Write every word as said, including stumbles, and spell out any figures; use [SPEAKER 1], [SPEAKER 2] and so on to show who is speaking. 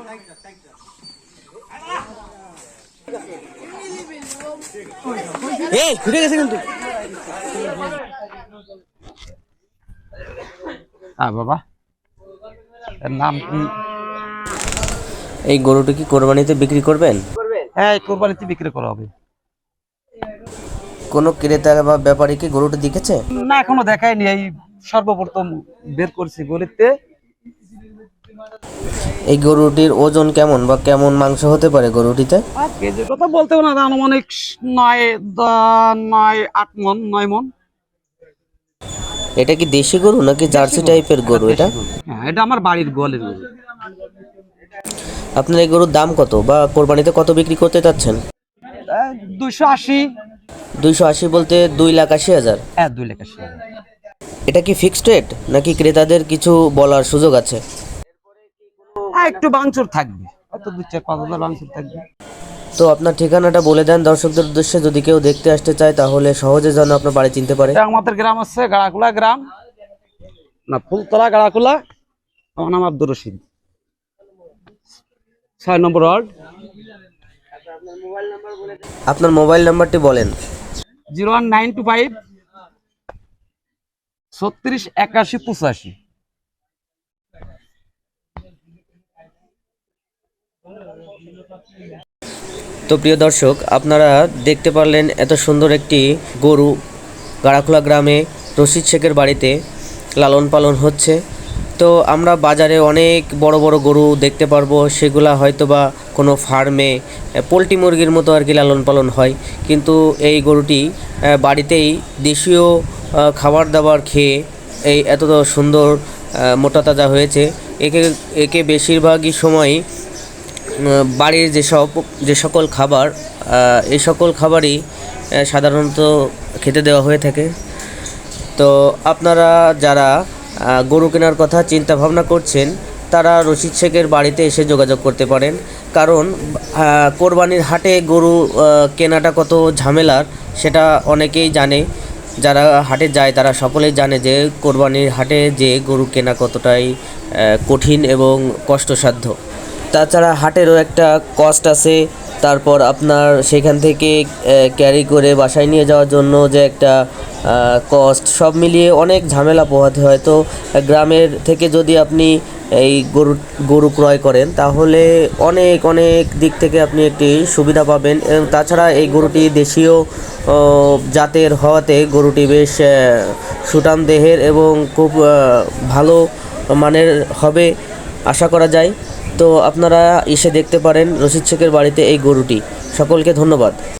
[SPEAKER 1] এই ঘুরে গেছে কিন্তু
[SPEAKER 2] হ্যাঁ বাবা, এর নাম কি?
[SPEAKER 1] এই গরুটি কি কোরবানিতে বিক্রি করবেন?
[SPEAKER 2] হ্যাঁ, কোরবানিতে বিক্রি করা হবে।
[SPEAKER 1] কোনো ক্রেতা বা ব্যাপারী কি গরুটি দেখেছে?
[SPEAKER 2] না, এখনো দেখায়নি, এই সর্বপ্রথম বের করছি গলিতে।
[SPEAKER 1] এই গরুটির ওজন কেমন বা কেমন মাংস হতে পারে গরুটিতে?
[SPEAKER 2] আর কেজির কথা বলতেও না, আনুমানিক নয় দ- নয় আট মন নয় মন।
[SPEAKER 1] এটা কি দেশি গরু নাকি জার্সি টাইপের গরু এটা?
[SPEAKER 2] হ্যাঁ, এটা আমার বাড়ির গোয়ালের গরু।
[SPEAKER 1] আপনার এই গরুর দাম কত বা কোরবানিতে কত বিক্রি করতে চাচ্ছেন?
[SPEAKER 2] দুইশো আশি।
[SPEAKER 1] দুইশো আশি বলতে দুই লাখ আশি হাজার।
[SPEAKER 2] হ্যাঁ, দুই লাখ আশি।
[SPEAKER 1] এটা কি ফিক্সড রেট নাকি ক্রেতাদের কিছু বলার সুযোগ আছে?
[SPEAKER 2] হ্যাঁ, একটু বাংচুর থাকবে, হয়তো দুই চার পাঁচ হাজার বাংচুর থাকবে।
[SPEAKER 1] তো আপনার ঠিকানাটা বলে দেন দর্শকদের উদ্দেশ্যে, যদি কেউ দেখতে আসতে চায় তাহলে সহজে যেন আপনার বাড়ি চিনতে পারে।
[SPEAKER 2] এটা আমাদের গ্রাম আছে গাড়াকুলা গ্রাম, না ফুলতলা গাড়াকুলা। আমার নাম আব্দুর রশিদ, ছয় নম্বর ওয়ার্ড।
[SPEAKER 1] আপনার মোবাইল নাম্বারটি বলেন।
[SPEAKER 2] Zero one nine two five ছত্রিশ একাশি পঁচাশি।
[SPEAKER 1] তো প্রিয় দর্শক, আপনারা দেখতে পারলেন এত সুন্দর একটি গরু গাড়াখোলা গ্রামে রশিদ শেখের বাড়িতে লালন পালন হচ্ছে। তো আমরা বাজারে অনেক বড় বড় গরু দেখতে পারবো, সেগুলা হয়তো বা কোনো ফার্মে পোলট্রি মুরগির মতো আর কি লালন পালন হয়, কিন্তু এই গরুটি বাড়িতেই দেশীয় খাবার দাবার খেয়ে এই এত সুন্দর মোটা তাজা হয়েছে। একে একে বেশিরভাগই সময়ই বাড়ির যেসব যে সকল খাবার এই সকল খাবারই সাধারণত খেতে দেওয়া হয়ে থাকে। তো আপনারা যারা গরু কেনার কথা চিন্তা ভাবনা করছেন তারা রশিদ শেখের বাড়িতে এসে যোগাযোগ করতে পারেন, কারণ কোরবানির হাটে গরু কেনাটা কত ঝামেলার সেটা অনেকেই জানে। যারা হাটে যায় তারা সকলেই জানে যে কোরবানির হাটে যে গরু কেনা কতটাই কঠিন এবং কষ্টসাধ্য। তাছাড়া হাটেরও একটা কস্ট আছে, তারপর আপনার সেখান থেকে ক্যারি করে বাসায় নিয়ে যাওয়ার জন্য যে একটা কস্ট, সব মিলিয়ে অনেক ঝামেলা পোহাতে হয়। তো গ্রামের থেকে যদি আপনি এই গরু গরু ক্রয় করেন তাহলে অনেক অনেক দিক থেকে আপনি একটি সুবিধা পাবেন। এবং তাছাড়া এই গরুটি দেশীয় জাতের হওয়াতে গরুটি বেশ সুঠাম দেহের এবং খুব ভালো মানের হবে আশা করা যায়। তো আপনারা এসে দেখতে পারেন রশিদ শেখের বাড়িতে এই গরুটি। সকলকে ধন্যবাদ।